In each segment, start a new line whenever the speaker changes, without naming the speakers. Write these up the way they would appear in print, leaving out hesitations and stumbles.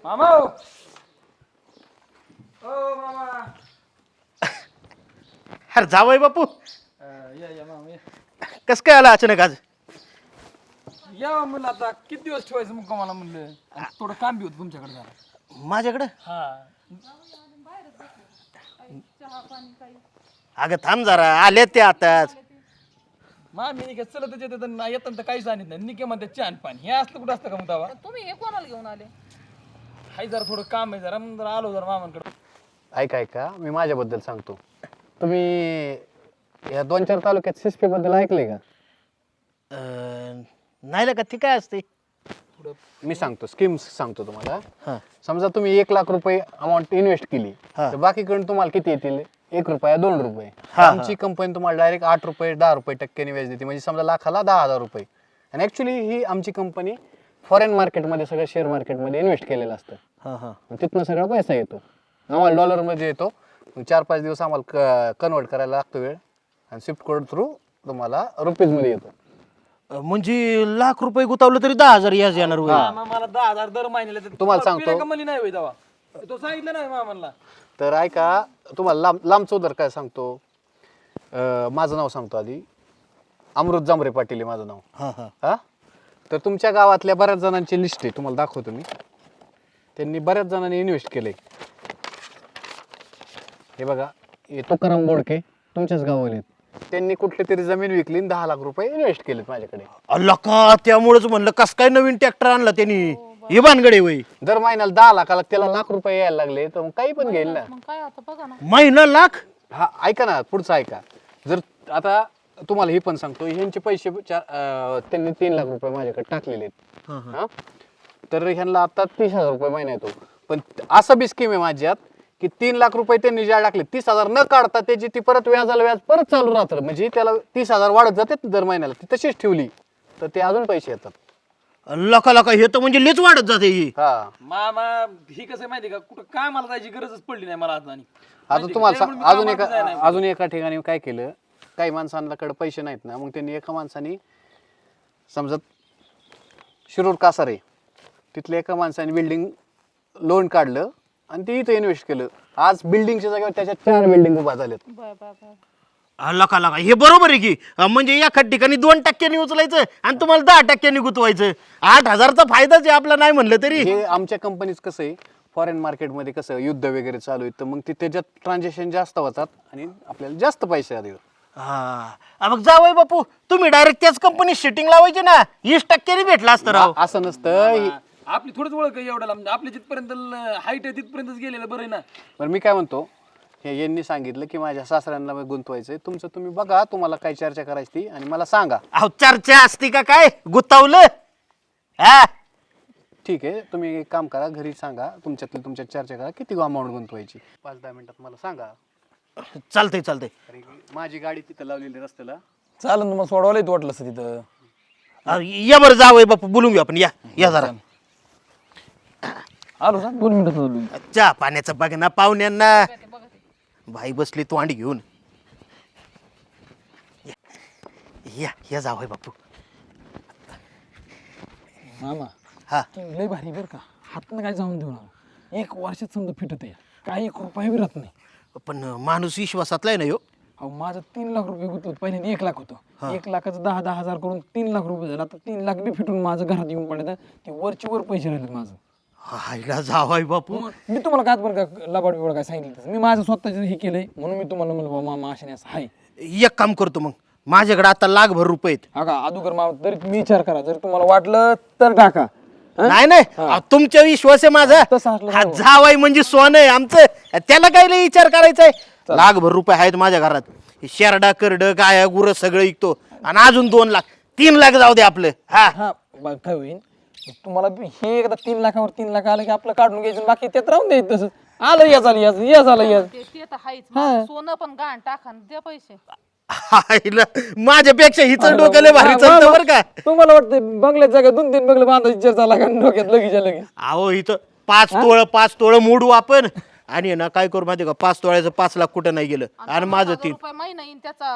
मामा ओ मामा
अरे जावय बापू
या मामा
कस काय आला अचानक आज?
या म्हणलं आता किती दिवस ठेवायचं मग मला म्हणलं आणि थोडं काम बी होतं तुमच्याकडे जरा.
माझ्याकडे?
हा
अगं थांब जरा, आले ते आताच.
मामी निघत चलत येतात तर काहीच आणत नाही निके म्हणते चहा आणि पाणी हे असलं कुठं असतं का मग तेव्हा
तुम्ही हे कोणाला घेऊन आले?
हाय जरा थोडं काम आहे जरा मग जरा आलो जरा मामांकडे.
ऐका मी माझ्याबद्दल सांगतो. तुम्ही या 2-4 तालुक्यात सिस्पी बद्दल ऐकलंय का?
नाही का ती काय असते?
मी सांगतो, स्कीम्स सांगतो तुम्हाला.
हा.
समजा तुम्ही 1 लाख रुपये अमाऊंट इन्व्हेस्ट केली
हा.
तर बाकीकडून तुम्हाला किती येतील? 1 रुपया 2 रुपये.
हा.
आमची कंपनी तुम्हाला डायरेक्ट 8 रुपये 10 रुपये टक्क्याने व्याज देते. म्हणजे समजा लाखाला 10,000 रुपये. आणि ऍक्च्युली ही आमची कंपनी फॉरेन मार्केटमध्ये सगळं शेअर मार्केटमध्ये इन्व्हेस्ट केलेलं असतं.
हा हा.
मग तिथनं सगळा पैसा येतो. आम्हाला डॉलरमध्ये येतो. 4-5 दिवस आम्हाला कन्वर्ट करायला लागतो वेळ आणि स्विफ्ट कोड थ्रू तुम्हाला रुपीजमध्ये येतो.
म्हणजे लाख रुपये गुतावलं तरी 10,000 याच येणार होय.
मामा मला 10,000 दर महिन्याला देतात.
तुम्हाला सांगतो.
पिऱ्या कमली नाही होय तेव्हा तो सांगितलं नाही मामाला.
तर ऐका, तुम्हाला लांबचं उदर काय सांगतो. माझं नाव सांगतो आधी. अमृत जांभरे पाटील आहे माझं नाव.
हा हा.
हा. तर तुमच्या गावातल्या बऱ्याच जणांची लिस्ट आहे, तुम्हाला दाखवतो मी. त्यांनी बऱ्याच जणांनी इन्व्हेस्ट केलंय. हे बघा, हे तुकाराम बोडके तुमच्याच गावाला आहेत. त्यांनी कुठली तरी जमीन विकली 10 लाख रुपये इन्व्हेस्ट केलेत माझ्याकडे.
अल्ला का, त्यामुळेच म्हणलं कस काय नवीन ट्रॅक्टर आणला त्यांनी. हे भानगडे वय.
दर महिन्याला 10 लाखाला त्याला लाख रुपये यायला लागले तर मग काही पण घेईल ना.
मग काय आता बघा ना.
महिना लाख?
हा, ऐका ना, पुढचं ऐका. जर आता तुम्हाला हे पण सांगतो, ह्यांचे पैसे त्यांनी 3 लाख रुपये माझ्याकडे टाकलेले आहेत. हा. तर ह्यांना आता 30,000 रुपये महिना येतो. पण असं बी स्कीम आहे माझ्यात की 3 लाख रुपये त्यांनी ज्या टाकले 30,000 न काढता त्याची ती परत व्याजाला व्याज परत चालू राहतं. म्हणजे त्याला 30,000 वाढत जाते दर महिन्याला. ती तशीच ठेवली तर ते अजून पैसे येतात.
लका लका, हे तर म्हणजे लेच वाढत जाते ही.
हा.
मामा ही कसं आहे माहिती का कुठं काय मला जायची गरजच पडली नाही मला आता.
आता तुम्हाला अजून एका ठिकाणी काय केलं, काही माणसांकडे पैसे नाहीत ना, मग त्यांनी एका माणसाने समजा शिरूर कासारे तिथल्या एका माणसाने बिल्डिंग लोन काढलं आणि ते इथं इन्व्हेस्ट केलं. आज बिल्डिंगच्या जागेवर त्याच्यात 4 बिल्डिंग उभा झाल्यात.
बर बर बर.
लका लका, हे बरोबर आहे की. म्हणजे एका ठिकाणी 2% उचलायचं आणि तुम्हाला 10% गुतवायचं. 8,000चा फायदाच आहे आपला, नाही म्हणलं तरी.
हे आमच्या कंपनीच कसं आहे, फॉरेन मार्केटमध्ये कसं युद्ध वगैरे चालू आहे तर मग ते त्याच्यात ट्रान्झॅक्शन जास्त होतात आणि आपल्याला जास्त पैसे आले.
हा मग जावय बापू, तुम्ही डायरेक्ट त्याच कंपनीत शिटिंग लावायची ना, 20% भेटला असतं राव.
असं नसतं.
आपली थोडीच ओळख आहे एवढ्याला म्हणजे आपली जिथपर्यंत हाईट आहे तिथपर्यंतच गेलेलं बरं आहे ना.
बरं, मी काय म्हणतो, हे यांनी सांगितलं की माझ्या सासऱ्यांना गुंतवायचंय. तुमचं तुम्ही बघा, तुम्हाला काय चर्चा करायची ती आणि मला सांगा.
अहो चर्चा असती का काय, गुतावलं. हा
ठीक आहे, तुम्ही एक काम करा, घरी सांगा, तुमच्यात चर्चा करा किती अमाऊंट गुंतवायची. 5-10 मिनिटात मला सांगा.
चालतंय चालतंय.
अरे, माझी गाडी तिथं लावलेली रस्त्याला.
चालेल मग सोडवायला येतो वाटलं असं तिथं.
या बरं जावय बापू, बोलून घेऊ आपण. या जरा.
आलो सांग 2 मिनिटात आलो.
चहा पाण्याचं बघ ना पाहुण्यांना. बाई बसली तोंड घेऊन. या जावय बापू.
मामा
हा.
लय भारी बरं का, हातनं काय जाऊन देऊ नका. 1 वर्षात समजा फिटत आहे, काही 1 रुपया बी राहत नाही.
पण माणूस विश्वासातला आहे ना ह्यो.
अहो माझं 3 लाख रुपये गुंतवत पहिल्यांदा 1 लाख होतं. 1 लाखाचं 10,000 करून 3 लाख रुपये झालं. आता 3 लाख बी फिटून माझं घरात येऊन पडलं, ते वरची वर पैसे राहिले माझं.
हायला जावाय बापू.
मी तुम्हाला काय बरं का लबाड बिबाड काय सांगितलं तसं. मी माझं स्वतःचं हे केलंय म्हणून मी तुम्हाला म्हणलं मामा अशाने असं आहे.
एक काम करतो मग, माझ्याकडे आता लाखभर रुपये आहेत.
हा का अगोदर मामा तरी तुम्ही विचार करा, जर तुम्हाला वाटलं तर टाका.
नाही नाही, तुमचा विश्वास आहे माझा.
तसं असलं
हा जावाय म्हणजे सोनं आहे आमचं, त्याला काय लय विचार करायचा आहे. लाखभर रुपये आहेत माझ्या घरात. शेरडा करड गाया गुरं सगळं विकतो आणि अजून 2 लाख 3 लाख जाऊ दे आपलं. हा
हा काय होईल तुम्हाला हे एकदा 3 लाखावर 3 लाख आलं की आपलं काढून घ्यायचं, बाकी त्यात राहून द्यायचं. तसं आलं या झालं या झालं या.
ते तर हायच. माझं सोनं पण गहाण टाका आणि द्या पैसे.
हायला, माझ्यापेक्षा हिचं डोकं लय भारी चालतं बरं का.
तुम्हाला वाटतं बंगल्यात जागा 2-3 बंगले बांधायची विचार झाला का डोक्यात लगेच लगेच.
अहो इथं 5 तोळं मोडू आपण आणि ना काय करू माहिती का, 5 तोळ्याचं 5 लाख कुठं नाही गेलं आणि माझं 3.
रुपये महिना येईन त्याचाच.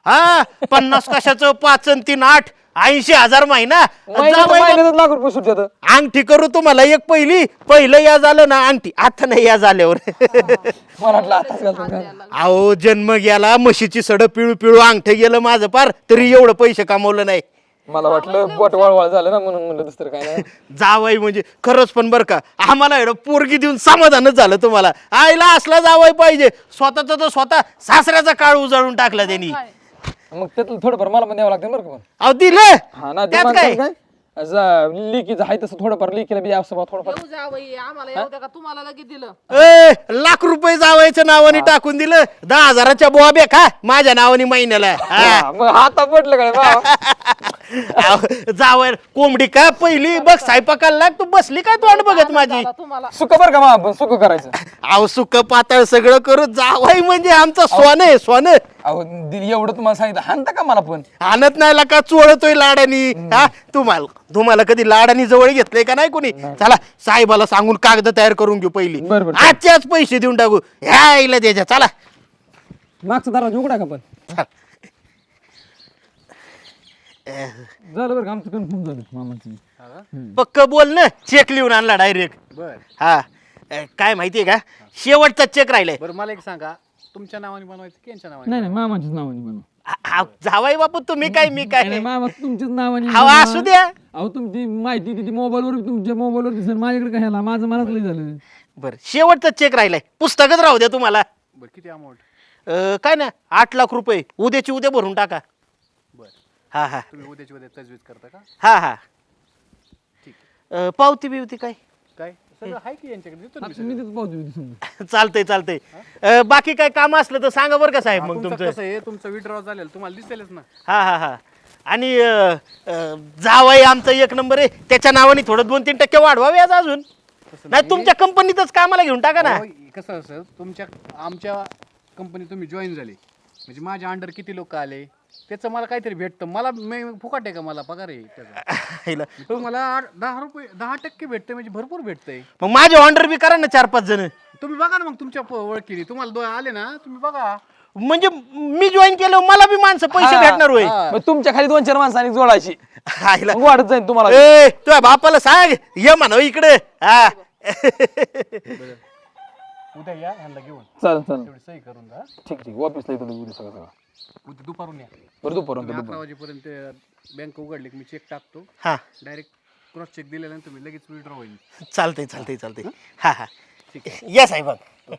हा 50 कशाचं 5 आणि 3 8 80,000 महिना जावई
महिन्यात लाख रुपये सुटतात.
अंगठी करू तुम्हाला एक पहिलं या झालं ना अंगठी आता नाही या झाल्यावर
मला वाटलं आताच घालतो काय.
अहो जन्म गेला म्हशीची सड पिळू पिळू अंगठे गेलं माझं पार तरी एवढं पैसे कमावलं नाही.
मला वाटलं बोट वळवळ झालं ना म्हणून म्हणलं दुसरं काय नाही.
जावाई म्हणजे खरंच पण बरं का आम्हाला एवढं पोरगी देऊन समाधानच झालं तुम्हाला. आईला असला जावाई पाहिजे स्वतःचा तर स्वतः सासऱ्याचा काळ उजाळून टाकला त्यांनी.
मग त्यातलं थोडंफार मला पण द्यावं लागतं बरं का पण.
अहो दिलं
हा ना
त्यात काय
लिकीचं आहे तसं थोडंफार लिकीला बी असं बा थोडंफार.
येऊ जावई आम्हाला येऊ द्या का तुम्हाला लगेच दिलं.
लाख रुपये जावायच्या नावाने टाकून दिलं 10,000च्या बॉबे खा माझ्या नावाने महिन्याला.
हा, मग हाता पडलं काय बा.
जावय कोंबडी का पहिली बघ स्वयंपाकाला लाग तू बसली काय तोंड बघत माझी.
आता तुम्हाला
सुख बरं का मा आपण सुख करायचं.
अहो सुक पातळ सगळं करू जावाई म्हणजे आमचं सोनं आहे सोनं.
अहो एवढं तुम्हाला सांगितलं हाणता का मला पण.
आणत नाही का चोळतोय लाडानी. हा तुम्हाला कधी लाडानी जवळ घेतलंय का नाही कोणी. चला साहेबाला सांगून कागद तयार करून घेऊ पहिली
बरं.
आजच्याच पैसे देऊन टाकू ह्या इला द्यायच्या. चला
मागचा दरवाजा उघडा का पण. झालं बरं का आमचं कन्फर्म झालं मामाचं.
पक्क बोल ना चेक लिहून आणला डायरेक्ट.
बर
हा काय माहितीये का शेवटचा चेक राहिलाय.
बरं मला एक सांगा तुमच्या नावाने बनवायचं की यांच्या नावाने?
नाही मामाच्याच नावाने बनव.
जावाई बापू तुम्ही काय मी काय
नाही मामा तुमच्याच नावाने
अहो
बनवा.
असू द्या.
अहो तुमची माहिती किती मोबाईलवर तुमच्या मोबाईलवर दिसेल माझ्याकडे काय ह्याला माझं मलाच लई झालं.
बर शेवटचा चेक राहिलाय पुस्तकच राहू द्या तुम्हाला.
बरं किती अमाऊंट?
काय ना 8 लाख रुपये उद्याची उद्या भरून टाका.
बरं
हा हा
तुम्ही उद्याची उद्या तजवीज करता का?
हा हा
ठीक
पावती बिवती काय
काय सगळं आहे की यांच्याकडे देतो ना मी
मी तिथं पाहतो समजा.
चालतंय बाकी काय काम असलं तर सांगा बरं का साहेब. मग
तुमचं
तुमचं
कसं आहे तुमचं विड्रॉ झालेलं तुम्हाला दिसेलच ना.
हा हा हा आणि जावाई आमचा एक नंबर आहे त्याच्या नावाने थोडं 2-3% वाढवावे आज अजून. नाही तुमच्या कंपनीतच कामाला घेऊन टाका ना.
अहो, कसं असं आमच्या कंपनी तुम्ही जॉईन झाले म्हणजे माझ्या अंडर किती लोक आले त्याचं मला काहीतरी भेटतं. मला फुकट आहे का मला पगार आहे त्याचा.
हिला.
तुम्हाला 10% भेटतं म्हणजे भरपूर भेटतंय.
मग माझे ऑर्डर बी करा ना 4-5 जण.
तुम्ही बघा ना मग तुमच्या ओळखीने तुम्हाला आले ना तुम्ही बघा.
म्हणजे मी जॉईन केलं मला बी माणसं पैसे
हा,
भेटणार होय.
मग तुमच्या खाली 2-4 माणसांनी जोडायची
हायला.
मग वाढत जाईल तुम्हाला.
तुझ्या बापाला सांग ये म्हणा इकडे. हा
उद्या या ह्यांना घेऊन
चालेल
तेवढी सही करून जा.
ठीक ऑफिसला येतो उद्या सगळं
उद्या दुपारून या.
बरं दुपारून
11 वाजेपर्यंत बँक उघडली की मी चेक टाकतो.
हा
डायरेक्ट क्रॉस चेक दिल्यानंतर तुम्ही लगेच विड्रॉ होईल.
चालतंय हा हा ठीक आहे या साहेब.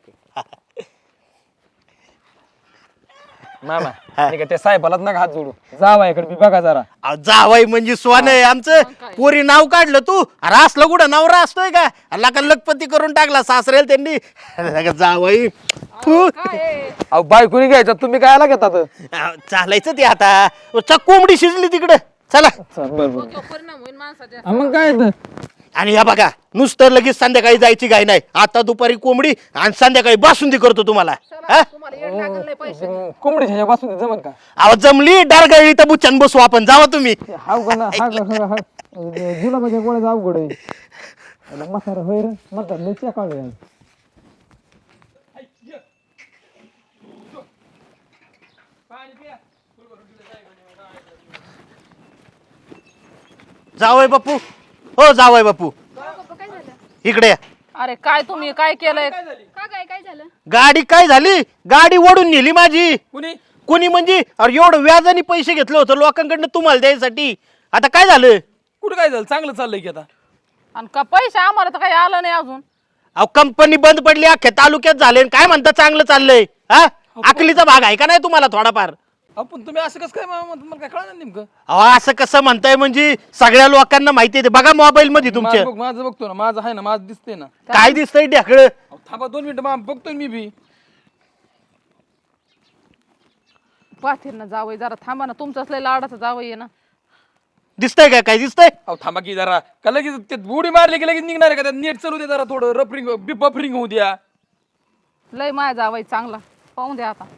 मामा ठीक आहे त्या साहेबालाच नका हात जोडू जावा इकडे मी बघा जरा.
जावाई म्हणजे स्वान आहे आमचं. पोरी नाव काढलं तू अरे असलं कुठं नवरा असतोय का लका लखपती करून टाकला सासरेल त्यांनी. जावाई तू
अहो बायकोनी घ्यायचा तुम्ही काय आला घेतात.
चालायचं ते आता कोंबडी शिजली तिकडं. चला
बरोबर
तो परिणाम होईल माणसाच्या.
मग काय
आणि या बघा नुसतं लगेच संध्याकाळी जायची गाय नाही. आता दुपारी कोंबडी आणि संध्याकाळी बासुंदी करतो तुम्हाला.
चला, तुम्हाला येड लागलं नाही पैसे.
कोंबडीच्या पासून जमल का.
अहो जमली डारगळली तर बुच्चन बसू आपण जावा तुम्ही.
हाव का ना हा जुलाबाच्या गोळ्याचा अवघड आहे. म्हातारा होय रे म्हातारा लय काढलं.
जावय बापू हो जावय बापू इकडे या.
अरे काय तुम्ही काय केलंय.
काय झालं?
गाडी काय झाली गाडी ओढून नेली माझी.
कुणी
कोणी म्हणजे अरे एवढं व्याजाने पैसे घेतलं होतं लोकांकडनं तुम्हाला द्यायसाठी. आता काय झालं.
कुठं काय झालं चांगलं चाललंय की आता.
आणि का पैसे आम्हाला तर काही आलं नाही अजून.
अहो कंपनी बंद पडली अख्ख्या तालुक्यात झाले आणि काय म्हणता चांगलं चाललंय. हा अकलीचा भाग आहे का नाही तुम्हाला थोडाफार.
आपण तुम्ही असं कसं काय तुम्हाला काय कळलं नेमकं.
अहो असं कसं म्हणताय म्हणजे सगळ्या लोकांना माहिती आहे बघा मोबाईल मध्ये तुमच्या.
माझं बघतो ना माझं आहे ना माझं दिसतंय ना.
काय दिसतंय ढेकळं.
थांबा 2 मिनिटं मामा बघतोय मी बी.
पाठीर ना जावई जरा थांबा ना तुमचं असलं लाडाचं जावई आहे ना.
दिसतंय का काय दिसतंय.
अहो थांबा की जरा का लगेच ते उडी मारली की लगेच निघणार आहे का नेट चालू दे जरा थोडं बफरिंग होऊ द्या.
लय माया जावई चांगला पाहून द्या आता.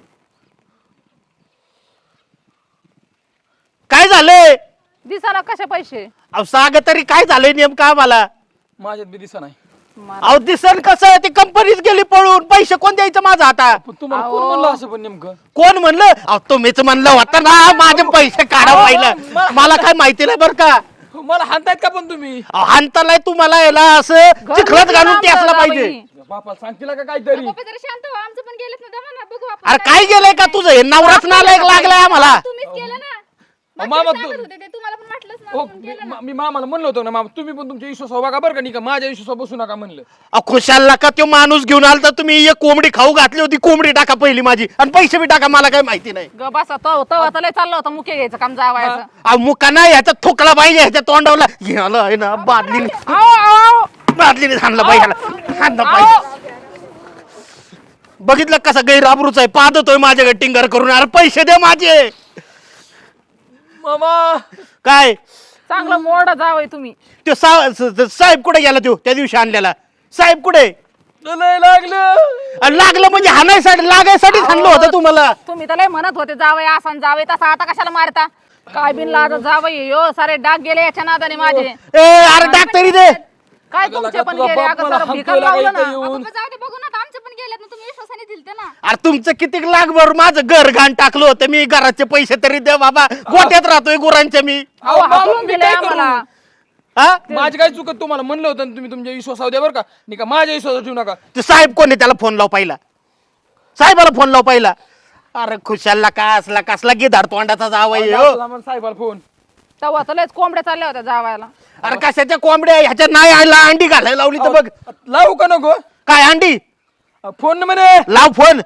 काय झालंय.
दिसा ना कसे पैसे.
अहो सांगा तरी काय झालंय नेमकं आम्हाला.
माझ्यात बी दिसा नाही.
अहो दिसन कसं ती कंपनीच गेली पळून, पैसे कोण द्यायचं माझा आता?
पण तुम्हाला कोण म्हणलं असं पण नेमकं?
कोण म्हणलं? अहो तुम्हीच म्हणलं होतं ना माझे पैसे काढा पहिलं. मला काय माहिती नाही बरं का.
मला हाणतायत का पण तुम्ही?
अहो, हाणतालाय तुम्हाला याला असं चिखलात घालून ते असलं पाहिजे.
बापाला सांगतील का काहीतरी?
पप्पा जरा शांत व्हा, आमचं पण गेलेत ना, दमा ना, बघू आपण.
अरे काय गेलंय का तुझं? हे नवराच नालायक लागलाय आम्हाला.
तुम्हीच केलं ना.
मामा,
मागच्या वेळेस सांगत होते ते, तुम्हाला पण वाटलंच ना,
हो,
आपण केलं ना.
मी मामाला म्हणलं होतं ना, मामा तुम्ही पण तुमच्या विश्वासावर बघा बरं का, नाही का माझ्या विश्वासावर बसू नका म्हणलं.
अहो, खुशाल का तो माणूस घेऊन आलता तुम्ही? एक कोंबडी खाऊ घातली होती, कोंबडी टाका पहिली माझी आणि पैसे बी टाका, मला काय माहिती नाही.
ग बसा तो आता लय चाललं होतं मुके घ्यायचं काम जावायचं.
अहो मुका नाही ह्याचा थोकला पाहिजे, ह्याच्या तोंडावला घ्यायला आहे ना बादलीने हाणलं पाहिजे, हाणलं पाहिजे. बघितलं कसा गैराबरूच आहे, पादतोय माझ्याकडे टिंगर करून. अरे पैसे दे माझे.
मामा
काय
चांगलं मोडा जावय तुम्ही.
तो साहेब कुठे गेला? तो त्या दिवशी आणलेला साहेब कुठे?
लय लागलं.
अरे लागलं म्हणजे हाणायसाठी लागायसाठी हाणलं होतं तुम्हाला.
तुम्ही तर लय म्हणत होते जावय असा जावय तसा, आता कशाला मारता? काय बिन लाज जावय यो सारे डाग गेले याच्या नादाने माझे.
अरे डॉक्टरी दे.
काय
अगं
तुमचे
लगा,
पण
तुझा
गेले
बाप
अगं
मला
सारं
हाणतोय
भिकार
लगा
लावलं
इथं
ना.
येऊन.
पप्पा जाऊ दे, बघू ना, आमचं पण गेलेत ना, तुम्ही विश्वासाने दिलते ना.
अरे तुमचं किती लागभर माझं घर घाण टाकलं होतं मी. घराचे पैसे तरी द्या बाबा. गोट्यात राहतोय गुरांच्या मी.
अहो
मामा,
हाकलून
मी
दिले
काय
आम्हाला.
हा
माझी काय चुकत? तुम्हाला म्हणलं होतं ना, तुम्ही तुमच्या विश्वासावर द्या बरं का, नाही का माझ्या विश्वासावर ठेवू नका.
ते साहेब कोण आहे? त्याला फोन लाव पहिला. साहेबाला फोन लाव पहिला. अरे खुशालला काय असला कसला गिधाड तोंडाचा जावई हो.
मला साहेबाला फोन.
तेव्हा तर लयच कोंबड्या चालल्या होत्या जावायला.
अरे कशाच्या कोंबड्या ह्याच्यात नाही आला, अंडी घालायला लावली तर बघ.
लावू का नको?
काय अंडी?
फोन म्हणे.
लाव फोन.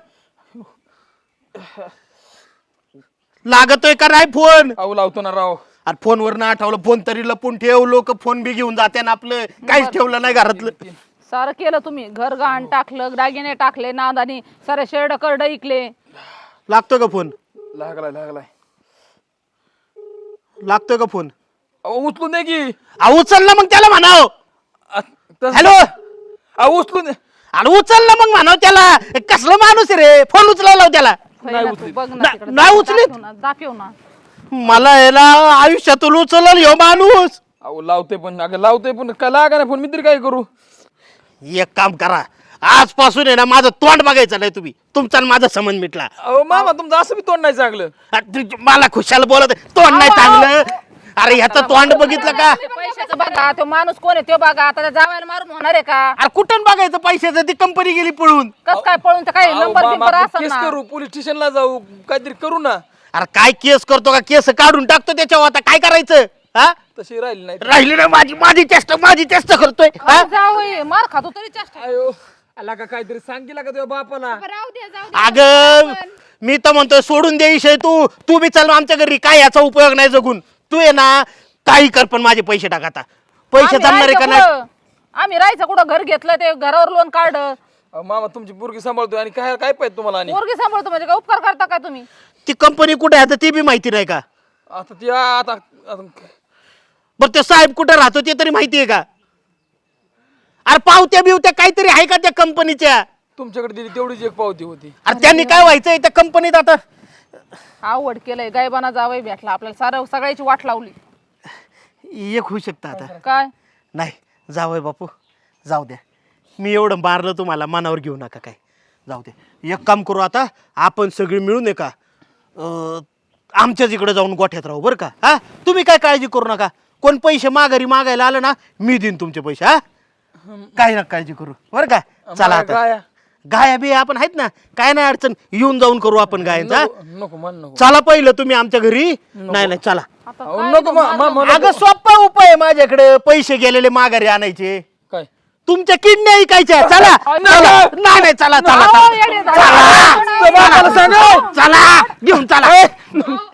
लागतोय का नाही फोन?
अहो लावतो ना राव.
अरे फोनवर ना आठवलं, फोन तरी लपून ठेव. लोक फोन बी घेऊन जाते ना आपलं. काहीच ठेवलं नाही घरातलं.
सारं केलं तुम्ही. घर घाण टाकलं, दागिने टाकले नादानी, सारे शेरड करड इकले.
लागतोय का फोन?
लागलाय.
लागतोय का फोन?
अहो उचलून दे की.
उचल ना मग त्याला म्हणाव. हॅलो.
उचलून दे.
अरे उचल ना मग म्हणाव त्याला. कसलं माणूस आहे रे? फोन उचलायला लाव त्याला.
होय ना तू, बघ ना तिकडं.
नाही उचलीत.
दाखव ना, दाखव ना.
मला याला आयुष्यातून उचलल ह्यो माणूस.
अहो लावते पण, अगं लावते पण काय लागा ना फोन, मी तरी काय करू?
एक काम करा, आजपासून आहे ना माझं तोंड बघायचं नाही तुम्ही. तुमचा आणि माझा संबंध मिटला.
अहो मामा तुमचं असं बी तोंड नाही चांगलं.
मला खुशाल बोलत आहे, तोंड नाही चांगलं. अरे ह्याचं तोंड बघितलं का?
पैशाचं बघा, तो माणूस कोण आहे तो बघा. आता त्या जावायला मारून होणार आहे का?
अरे कुठून बघायचं पैशाचं? ती कंपनी गेली पळून.
कस काय पळून तर काही
अहो,
नंबर
मामा,
बिंबर
आपण
असेल
केस
ना.
करू, पोलीस स्टेशनला जाऊ, काहीतरी करू ना.
अरे काय केस करतो का? केस काढून टाकतो त्याच्यावर. आता काय करायचं? हा
तशी राहिली नाही.
राहिली ना माझी चेष्टा करतोय. हा?
जावई मार खातो तरी चेष्टा.
अयो आला का काहीतरी सांग केला का तुझ्या बापाला?
पप्पा राहू द्या, जाऊ द्या.
अगं मी तर म्हणतोय सोडून दे विषय. तू बी चल आमच्या घरी. काय याचा उपयोग नाही जगून. तू आहे ना काही कर पण माझे पैसे टाक आता. पैसे
आम्ही
जमणार आहे का
राहायचं
नाही?
कुठं? आम्ही राहायचं कुठं? घर घेतलं ते घरावर लोन काढलं.
अहो, मामा तुमची पोरगी सांभाळतोय आणि काय काय पाहिजे तुम्हाला? आणि
पोरगी सांभाळतो म्हणजे काय उपकार करता काय तुम्ही?
ती कंपनी कुठे आहे आता ती बी माहिती नाही का?
आता ती आता
बरं ते साहेब कुठे राहतो ते तरी माहिती आहे का? अरे पावत्या बिवत्या काहीतरी आहे का त्या कंपनीच्या?
तुमच्याकडे दिली तेवढीच एक पावती होती.
अरे त्यांनी काय व्हायचंय त्या कंपनीत आता?
आवड केलंय गायबाना जावई भेटला आपल्याला. सारं सगळ्याची वाट लावली.
एक होऊ शकतं आता.
काय
नाही जावय बापू, जाऊ द्या. मी एवढं मारलं तुम्हाला, मनावर घेऊ नका काय. जाऊ दे. एक काम करू आता आपण सगळे मिळून आहे का आमच्याच इकडे जाऊन गोठ्यात राहू बरं का? हा तुम्ही काय काळजी करू नका. कोण पैसे माघारी मागायला आलं ना मी देईन तुमचे पैसे. हा काय ना काळजी करू बरं का? चला आता.
गाया
गाया बी आपण आहेत ना, काय नाही अडचण. येऊन जाऊन करू आपण गायांचा.
नको मन नको.
चला पहिलं तुम्ही आमच्या घरी. नाही चला.
आता
अहो,
काय
नको मामा
अगं सोपा उपाय आहे माझ्याकडे. पैसे गेलेले माघारी आणायचे.
काय
तुमच्या किडन्या ऐकायच्या. चला नाही चला चला
अहो, येडे झाले.
चला चला घेऊन चला.